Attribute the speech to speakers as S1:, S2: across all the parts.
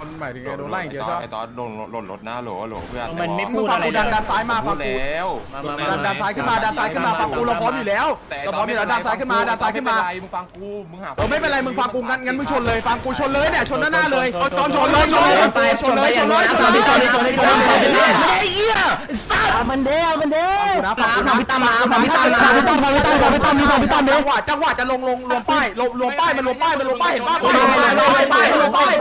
S1: มันหมายถึงไงโดนไล่อย่างเดียวใช่ไหม
S2: ไอตอนหล่นรถนะโหลเพื่อน
S3: มันไม่
S1: มึ
S3: พู
S1: ง
S3: ด
S1: ฟัง
S3: อะไร
S1: กูดันซ้ายมาฟังกู
S2: แล้ว
S1: ดันซ้ายขึ้นมาฟังกูเราพร้อมอยู่แล้วเราพร้อมอยู่แล้วดันซ้ายขึ้นมา
S2: มึงฟังกูมึงหา
S1: ไม่เป็นไรมึงฟังกูงั้นมึงชนเลยฟังกูชนเลยเนี่ยชนหน้าเลยตอนชนเลยชนเลยไอ้เหี้ย
S3: มันเด้
S1: นะฟังพี่ตั้มมาฟังพี่ตั้มจังหวะจะลงรวมป้ายมันรวมป้ายเห็นป่ะลงป้ายรถพัง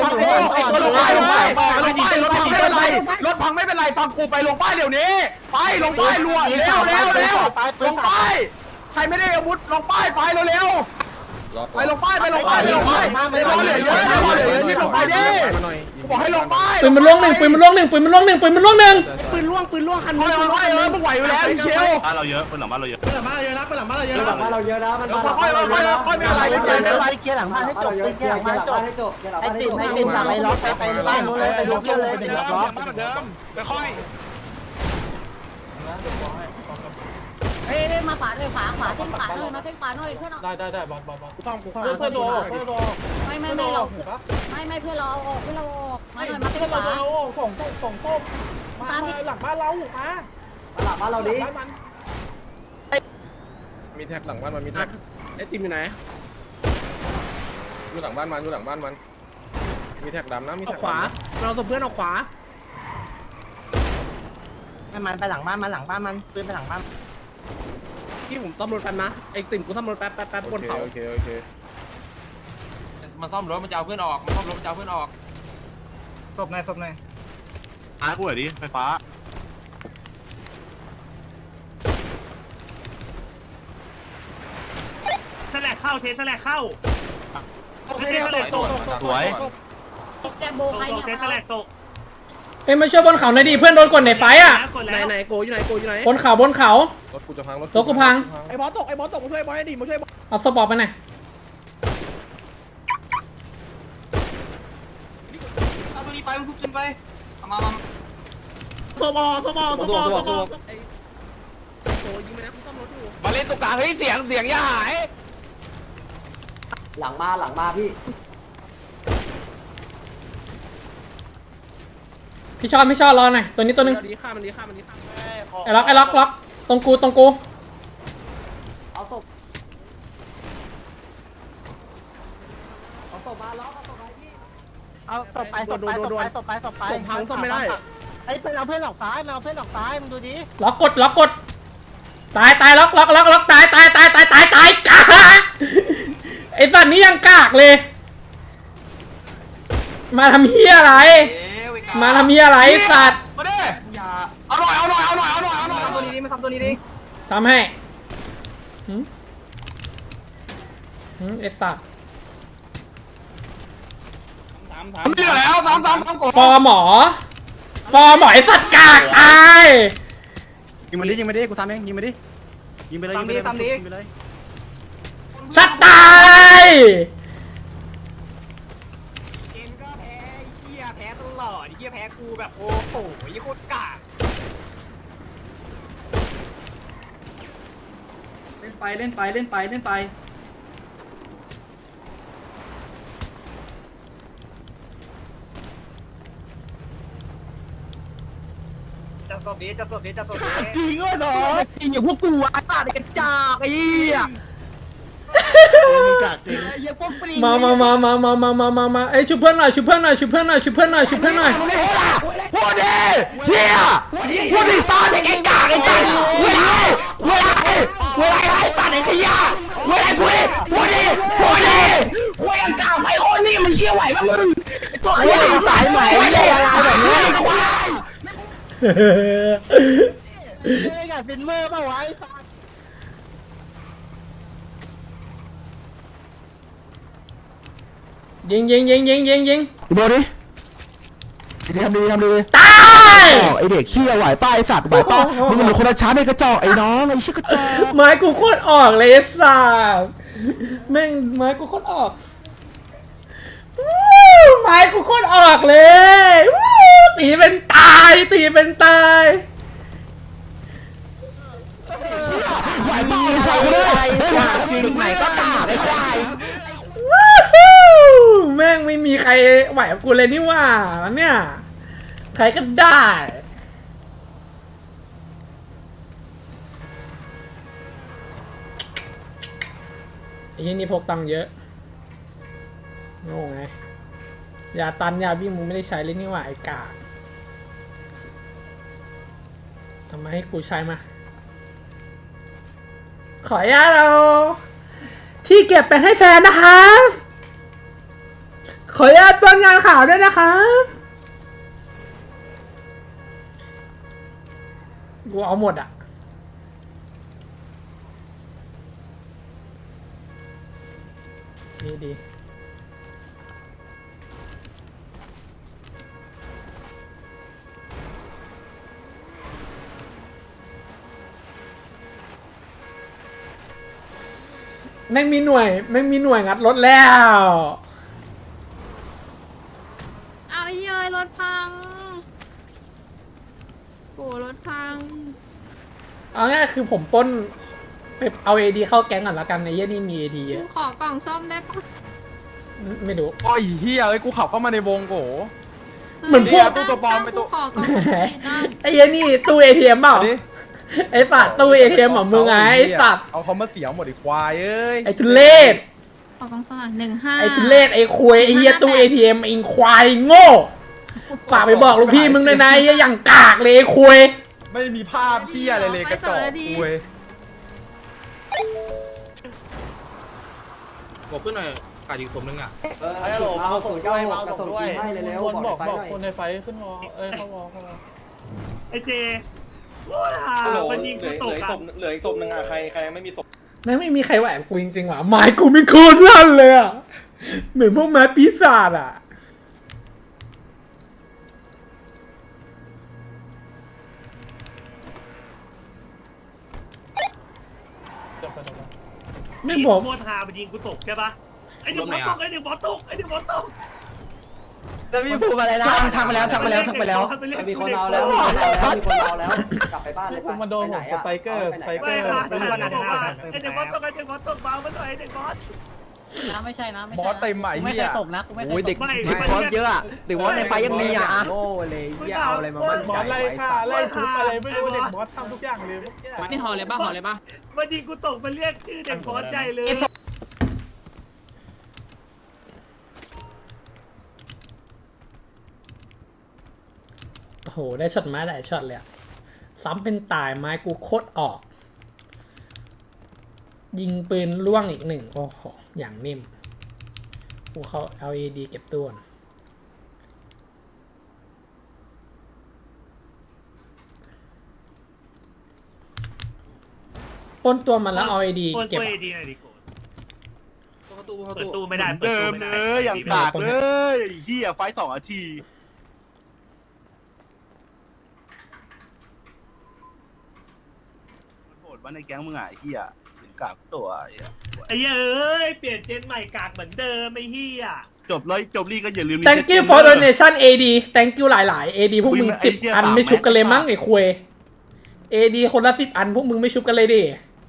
S1: ไม่เป็นไรฟังกูไปลงป้ายเดี๋ยวนี้ไปลงป้ายรัวเร็วลงป้ายใครไม่ได้อาวุธลงป้ายไปเร็วไปลงป้ายเหลือเยอะที่ลงไปดิบอกให้ลงป้าย
S4: ปืนมันล่วงหนึ่งปืนมันล่วงหนึ่ง
S3: ปืนล่วงคัน
S1: มึงไหวอยู่แล้วพี่เชล
S5: บ้านเราเยอะปืนหลังบ้านเราเยอะ
S3: หลังบ้านเราเยอะนะมันบ้านเราเยอะนะมัน
S1: ค่อยไม่เป็นไร
S3: เคลียร์หลังบ้านให้จบเคลียร์หลังบ้านให้จบให้ติ่มหลังไปล็อกไปบ้านนู้นเลยไปล็อกเลยไปล็อก
S5: เหมือนเดิมค่อย
S6: เฮ้ยมาขวาเลยขวาเส้นขวาหน่อยมาเส้นขวาหน่อยเพื่อน
S3: ได้บอล
S1: กูต้อง
S3: เพื่อนโด
S6: ไม่เราไม่เพื่อนเราออกมาหน่อยมาเส้นขวา
S3: ส่งมาหลังบ้านเรามาหลังบ้านเราดิ
S1: มีแท็กหลังบ้านมันมีแท็กไอ้ติมอยู่ไหนอยู่หลังบ้านมันมีแท็กดำนะมีแท็กขวาเราส่งเพื่อนออกขวา
S3: มันไปหลังบ้านมันปืนไปหลังบ้าน
S1: ที่ผมซ่อมรถแป๊บนะไอ้ติ่มกูซ่อมรถแป๊บบนเขาโอเค
S2: มันซ่อมรถมันจะเอาเพื่อนออกมันซ่อมรถมันจะเอาเพื่อนออก
S3: ศพไหน
S5: ท้ายกูหน่อยดิไฟฟ้า
S3: แสลกเข้าเทสแลกเข้า
S5: สวย
S6: แกโบใครเนี่ย
S3: แสลกตก
S4: เอ้ยมาช่วยบนเขาหน่อยดิเพื่อนโดนกดในไฟอ่ะ
S1: ไหนโกอยู่ไหน
S4: บนเขา
S1: รถกูจะพังรถ
S4: กูพัง
S1: ไอ้บอสตกมาช่วยบอสให้ดิมาช่วยบอส
S4: เอาสปอร์ตไปหน่อย
S3: เอาตัวนี้ไปมันทุบขึ้นไปมา
S1: สบอโกยิงไปนะกูซ่อมรถอยู่
S2: มาเล่นตรงกลางเฮ้ยเสียงอย่าหาย
S3: หลังมาพี่
S4: พี่ชอบรอหน่อยตัวนี้ตัวนึง
S1: ดีฆ่ามัน
S4: ไอ้ล็อกตรงกู
S3: เอาศพมาล็อกเอาศพไปพี่เอาศพไป
S1: ผมพังซ่อมไม่ได้
S3: ไอ้เป็นเอาเพื่อนออกซ้ายมึงดูดิ
S4: ล็อกกดตายล็อกตายกากไอ้สัตว์นี่ยังกากเลยมาทำเหี้ยอะไรสัตว์
S1: มาดิอย่าเอาหน่อย
S3: ตัวนี้ดิมาทำตัวนี้ดิ
S4: ทำให้ไอ้สัตว์
S1: มันเหลือแล้วซ้ำกด
S4: ฟอร์หมอไอ้สัตว์กากตาย
S5: ยิงมาดิกูซ้ำเองยิงไปเลย
S4: สัตว์ตาย
S3: เอ็นก็แพ้เหี้ยแพ้ตลอดเหี้ยแพ้กูแบบโอ้โหยี่โคตรกากเล่นไปจะสอบดี
S1: จริงเหรอเนาะจริงอย่างพวกกูไอ้สัตว์กระจอกไอ้เหี้ย
S4: มาไอ้ชุบเพื่อนหน่อยพูด
S1: ดิเฮียพูดดิซ่าเด็กไอ้กากไอ้จันเวลาไอ้สัตว์ไอ้ขยะเวลาพูดดิคุยกันกากไอ้โอนี่มันเชี่ยวไหวป่ะมึงตัวขยะสายใหม่ไม่ใช่อะไรแบบนี้
S3: เล่นกับฟินเมอร์ป่าวะ
S4: ยิง
S1: โดนดิทำดี
S4: ตาย
S1: ไอเด็กขี้ไหวป้าไอสัตว์ไหวป้ามึงเป็นคนละชั้นไอกระจอกไอ้น้องไอ้ชี้กระจอก
S4: ไม้กูโคตรออกเลยสัสแม่งไม้กูโคตรออกไม้กูโคตรออกเลยตีเป็นตาย
S1: ไหวป้าไอ้สัตว์เลยจริงไหนก็กากไอ้ควาย
S4: แม่งไม่มีใครไหวกับกูเลยนี่ว่าเนี่ยใครก็ได้ไอ้ยี่นี่พกตังค์เยอะโง่ไงยาตันยาวิ่งมึงไม่ได้ใช้เลยนี่ว่าไอ้กาทำไมาให้กูใช้มาขออนุญาตเราที่เก็บไปให้แฟนนะครับขออนุญาตเปิ้ลงานข่าวด้วยนะครับกูเอาหมดอ่ะดีแม่งมีหน่วยงัดรถแล้ว
S6: เอาไอ้เย้ยรถพังโอ้รถพัง
S4: เอาง่ายคือผมปล้นไปเอาADเข้าแก๊งก่อนแล้วกันในเยี่ยนี่มีADเย
S6: กู
S4: อะ
S6: ขอกล่องซ่อมได้ปะ
S4: ไม่รู้
S2: โอ้ยเฮียเอ้ยกูขับเข้ามาในวงโก
S4: เหมือนพวก
S2: ตู้ตัวปลอมไปตู้
S6: ขอกล่องซ่อมได้
S4: ไอ้เยี่ยนี่ตู้ ATM เปล่าไอ้สัตว์ตู้ ATM ของมึงไงไอ้สัตว์
S2: เอาเขามาเสียหมดอีควายเอ้ย
S4: ไอ้ทุเรศ
S6: ขอกล่องซ่อม15
S4: ไอ้ทุเรศไอ้ควยไอ้เหี้ยตู้ ATM ไอ้ควายโง่ฝากไปบอกลูกพี่มึงเลยนะไอ้เหี้ยอย่างกากเลยไอ้ควย
S2: ไม่มีภาพเฮียอะไรเลยกระจอกคุย
S7: บอกเพื่อนหน่อยขาดอีกสมนึงอ่ะ
S3: เอาส่งเก้าหกกระส่งจีให้เร็วๆบอกไฟหน่อย
S8: คนในไฟขึ้นวอเข้าวอ
S9: ไอเจมันยิงกูตกอ่ะ
S5: เหลืออีกศพนึงอ่ะใครไม่มีศพ
S4: แม่งไม่มีใครไหวกับกูจริงๆว่ะไม้กูไม่โคตรลั่นเลยอ่ะเหมือนพวกไม้ปีศาจอ่ะไม่บอก
S9: โคตรฮามันยิงกูตกใช่ปะไอเด็กบอสตกไอเด็กบอสตกไอเด็กบอสตก
S3: แล้วมีพูดอะไรนะทำไปแล้ว
S9: มีคนเอา
S3: มีคนเอาแล้วกลับไปบ้านเลย
S8: ผมมาโดนผมสไตเกอร์
S9: ไม่ค่ะไอเด็กบอสตกเบามาหน่อยไอเด็กบอส
S6: นะไม่ใช่นะ
S2: บอสเต็มใหม่
S6: ไม่
S2: เฮี
S6: เค
S2: ย
S6: ยตกนะกูไม่เค
S3: โอ้ย
S6: ยต
S3: เด็ก
S6: ก
S3: บอสเยอะอ่ะเด็กบอสในไฟยังมีอ่ะ
S9: โง่เลยเอาอะไรมามั่น
S8: บอสไล่ฆ่าไล่ทุบอะไรไม่รู้เด็กบอสทำทุกอย่างเลยเมื่อกี้
S7: นี่ห่อเลยป่ะห่อเลยป่ะ
S9: มันยิงกูตกมันเรียกชื่อเด็กบอสใหญ่เลย
S4: โอ้โหได้ช็อตไม้หลายช็อตเลยอะซ้ำเป็นตายไม้กูโคตรออก ยิงปืนล่วงอีกหนึ่งโอ้โหอย่างนิ่มกูเขา LED เก็บตัวปล้นตัวมันแล้วเอา ID เก็บ
S9: เปิ
S4: อะ
S9: ดดีหน่อยดิโก
S7: เข้าตู้เข้า
S9: เปิด
S7: ตู้
S9: ตู้ไม่ได้
S5: เดิมเลยอย่างกากเลยเฮียไฟ2 นาทีโหดว่าในแก๊งมึงอ่ะเฮียถึงกากตัวเฮีย
S9: ไอ้เอ้ยเปลี่ยนเจนใหม่กากเหมือนเดิมไอ้เหี้ย
S5: จบลี่ก็อย่าลืม
S4: Thank you for donation AD Thank you หลายๆ AD พวกมึง10 อันไม่ชุบกันเลยมั้งไอ้ควย AD คนละ10 อันพวกมึงไม่ชุบกันเลยดิ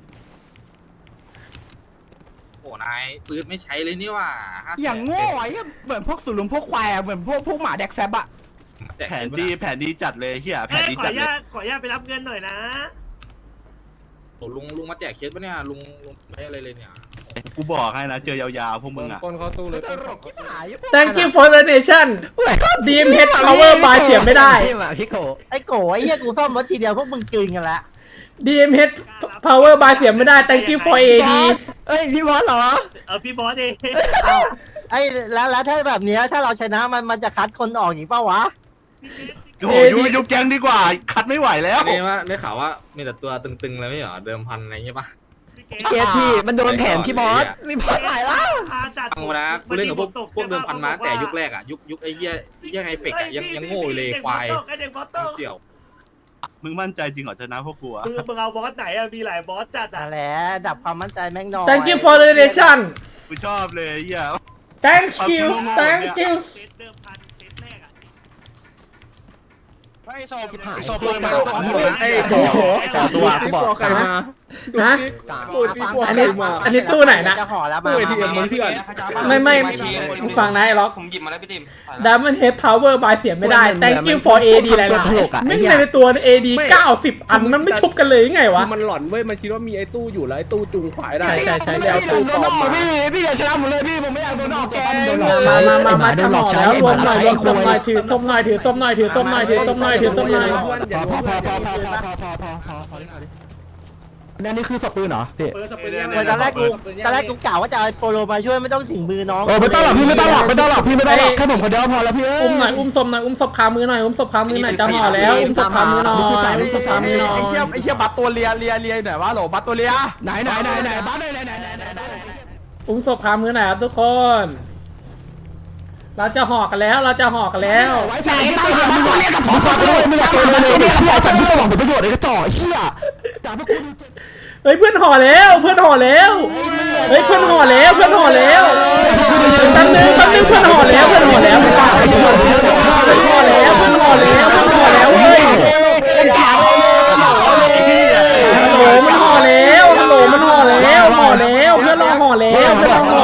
S7: โอ้นายปืนไม่ใช้เลยนี่ว่า
S1: อย่างโง่ไอ้เหมือนพวกสุรุมพวกควายเหมือนพวกหมาแดกแซบอะ
S5: แผนดีจัดเลยเฮียแผนดี
S9: ขอ
S5: จั
S9: อ
S5: ด
S9: นุ
S5: เลย
S9: ญาตไปรับเงินหน่อยนะ
S7: โอ้ลุงมาแจกเคสปะเนี่ยลุงไม่อะไรเลยเนี่ย
S5: กูบอกให้นะเจอยาวๆพวกมึงอ่ะ
S8: คนเข้าตู้เลย
S4: Thank you for donation DMH Power by เสียไม่ได้
S3: พี่โกไอ้โกไอ้เหี้ยกูซ่อมรถทีเดียวพวกมึงกลืนกันละ
S4: DMH Power by เสียไม่ได้ Thank you for AD
S3: เอ้ยพี่บอสเหรอ
S9: พี่บอสเอง
S3: ไอ้แล้วถ้าแบบเนี้ยถ้าเราชนะมันจะคัดคนออกอีกเปล่าวะ
S5: โอ้โหยุบแก๊งดีกว่าคัดไม่ไหวแล้ว
S7: นี่ว่าได้ข่าวว่ามีแต่ตัวตึงๆเลยไม่เหรอเดิมพันอะไรเงี้ยป่ะ
S3: เกียร์พี่มันโดนแผนพี่บอสมีบอสหลายแล้ว
S7: ฟังมานะกูเล่นกับพวกเดิมพันมาแต่ยุคแรกอ่ะยุคไอ้เหี้ยยังไงเฟกอ่ะยังโง่เลยควาย
S9: เด็กบอสตก
S7: เสี่ยว
S5: มึงมั่นใจจริงเหรอชนะพวกกูอะ
S9: มึงเอาบอสไหนอะมีหลายบอสจัดอะ
S3: นั่นแหละดับความมั่นใจแม่งหน่อย
S4: Thank you for donation
S5: กูชอบเลยเฮีย
S4: Thank you Thank you
S9: เซตเดิมพันเซตแรกอะ
S5: ไอ้โซ่ปืนมา
S3: ไอ้โกตัวกูบอกนะ
S4: ฮะอันนี้ตู้ไหนนะ
S3: จะห่อแล้วมา
S4: ไม่มึงฟังนะไอ้ล็อกผมหยิบมาแล้วพี่ดิมDiamond Head Power บายเสียไม่ได้ Thank you for AD อะไรล่ะไม่ในตัว AD 90 อันมันไม่ชุบกันเลยยังไงวะ
S1: มันหลอนเว้ยมันคิดว่ามีไอ้ตู้อยู่แล้วไอ้ตู้จูงขวายได้
S4: ใช่
S1: แล้วตู้ปลอมมาพี่อย่าชนะผมเลยพี่ผมไม่อยากโดนออกแกง
S4: มาทำหอกแล้วรวมหน่อยถือส้มหน่อยถือส้มหน่อย
S1: นั่นนี่คือสปืนเหรอพี่
S3: ตอนแรกกูกล่าวว่าจะเอาโปโลมาช่วยไม่ต้องถึงมือน้อง
S1: ไม่ต้องหรอกพี่ไม่ต้องหรอกแค่ผมคนเดียวพอแล้วพี่
S4: อุ้มหน่อยอุ้มศพหน่อยอุ้มศพขามือหน่อยอุ้มศพขามือหน่อยจะห่อแล้วอุ้มศพขามือหน่อยอุ้มศพขามือหน่อย
S2: ไอ้เหี้ยบัตตัวเลียหน่อยวะโหลบัตตัวเลีย
S1: ไหนบัสไหน
S4: อุ้มศพขามือหน่อยครับทุกคนเราจะห่อกันแล้ว
S1: ไว้ใจตั้งหาบัสตัวเลียกับผมไม่อยากโดนเลยเนี่ยเชี่ยสัตว์ที่ต้องหวังผลประโยชน์ไอ้กระจอกเชี่ยจ่าพวกคุณ
S4: เฮ้ยเพื่อนห่อแล้วเฮ้ยเพื่อนห่อแล้วแป๊บนึงเพื่อนห่อแล้วเฮ้ยเพื่อนห่อแล้วเพื่อนลองห่อแล้วห่อหน่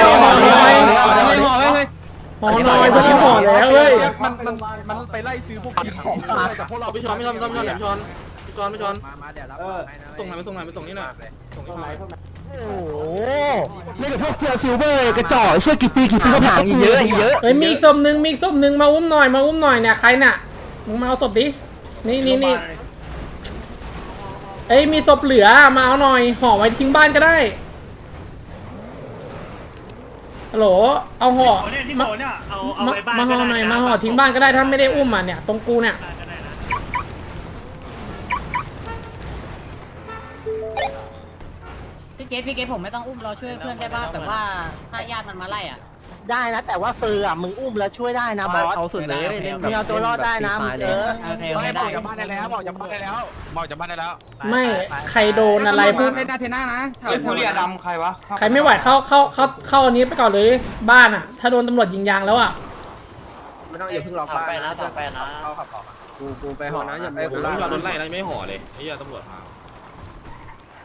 S4: อยเพื่อนห่อแล้วเฮ้ย
S2: มันไปไล่ซื้อพวกกินของแต่พวกเรา
S7: พี่ช้อนส่งหน่อยนี่หน่อยส่งให้เขา
S1: โอ้โหนี่กับพวกเทียร์ซิลเวอร์กระจอกเชี่ยกี่ปีก็ผ่านเยอะ
S4: เฮ้ยมีศพหนึ่งมาอุ้มหน่อยเนี่ยใครน่ะมึงมาเอาศพดินี่เอ้ยมีศพเหลือมาเอาหน่อยห่อไว้ทิ้งบ้านก็ได้ฮัลโหลเอาห่อมาห่อหน่อยมาห่อทิ้งบ้านก็ได้ถ้าไม่ได้อุ้มอ่ะเนี่ยตรงกูเนี่ย
S6: พี่เกตผมไม่ต้องอุ้มเราช่วยเพื่อนได้ป่ะแบบว่าถ้าญาติมันมาไล่อ่ะ
S3: ได้นะแต่ว่าเฟอร์อ่ะมึงอุ้มแล้วช่วยได้นะบอส
S1: เอาสุดเลยเล่น
S3: มึงเอาตัวรอดได้นะมึง
S6: โอเคได้
S5: บอกจากบ้านได้แล้ว
S4: ไม่ใครโดนอะไรพูด
S7: เซนาเทน่านะ
S5: ไอ้ฟูเรียดำใครวะ
S4: ใครไม่ไหวเข้าอันนี้ไปก่อนเลยบ้านอ่ะถ้าโดนตำรวจยิงยางแล้วอ่ะ
S2: ไม่ต้องอย่าเพิ่งล็อกบ้านนะเข้าขับออกกูไปห่อนะอย่าไป
S7: ผมต้องจอดรถไล่แล้วไม่ห่อเลยไอ้เหี้ยตำรวจมา